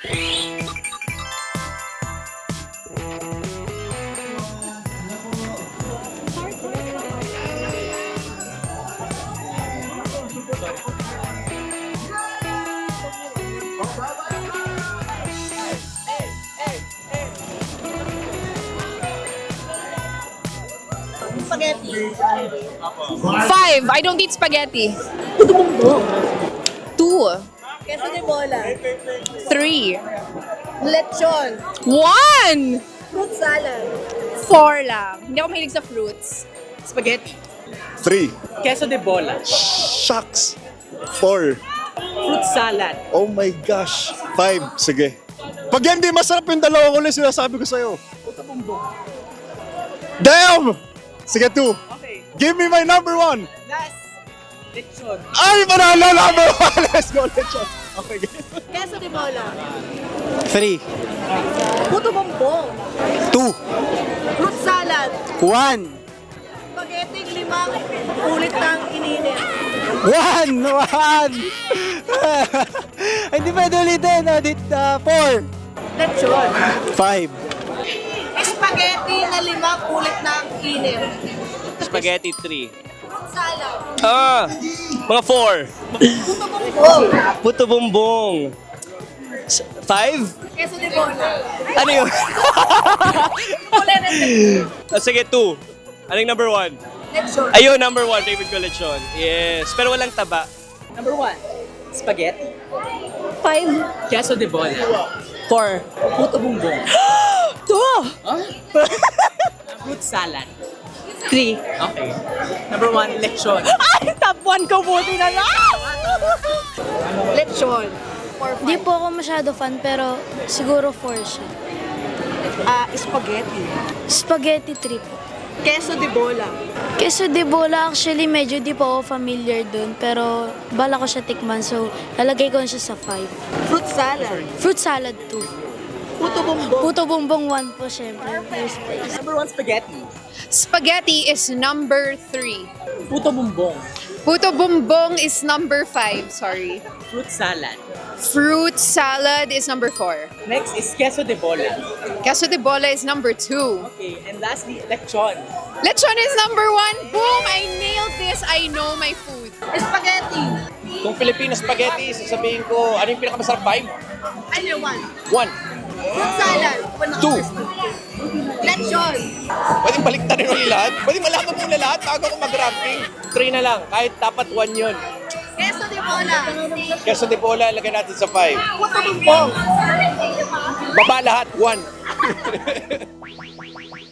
Spaghetti. 5. I don't eat spaghetti. Puto bumbong. 2. Queso de bola. 3. Lechon. 1. Fruit salad. 4 lang. Hindi ako mahilig sa fruits. Spaghetti. 3. Queso de bola. Shucks. 4. Fruit salad. Oh my gosh. 5. Sige. Pag hindi masarap yung dalawa ko lang sinasabi ko sa'yo. Damn! Sige, 2. Okay. Give me my number 1. Last. Lechon. Ay, manalo number 1. Let's go, lechon. Okay, game. Queso de bola. 3, Puto bumbong. 2, Fruit salad. 1. Spaghetti 5 ulit ng ininit. 1! 1! Hindi pwede ulitin. 4, Lechon. 5. Spaghetti na 5 ulit ng init. Spaghetti 3. Fruit salad. Mga 4. Puto bumbong. Puto bumbong. 5? Queso de bola. Ano yun? Ulit ng Sige, 2. Anong number 1? lechon. Ayun, number 1. Favorite ko lechon. Yes. Pero walang taba. Number 1. Spaghetti. 5. Queso de bola. 4. Puto bumbong. 2. Fruit salad. 3. Okay. Number 1, lechon. Ay, top 1 ko buti na lang. Lechon. Di po ako masyado fan pero siguro 4 siya. Spaghetti. Spaghetti 3 po. Queso de bola. Queso de bola actually medyo di po ako familiar dun pero bala ko siya tikman so lalagay ko siya sa 5. Fruit salad. Fruit salad 2. Puto bumbong. Puto bumbong 1 po syempre. First place. Number 1, spaghetti. Spaghetti is number 3. Puto bumbong. Puto bumbong is number 5. Sorry. Fruit salad. Fruit salad is number 4. Next is queso de bola. Queso de bola is number 2. Okay, and lastly, lechon. Lechon is number 1. Boom! I nailed this. I know my food. Spaghetti. Kung Filipino spaghetti, sasabihin ko, ano yung pinakamasarap 5? Ano 1? 1. Fruit salad. 2. Lechon. Pwedeng baliktarin mo lahat? Pwedeng malaman mo na lahat bago ako mag-ranking? 3 na lang, kahit dapat 1 yun. Queso de bola. Queso de bola, lagay natin sa 5. Puto bumbong. Baba lahat, 1.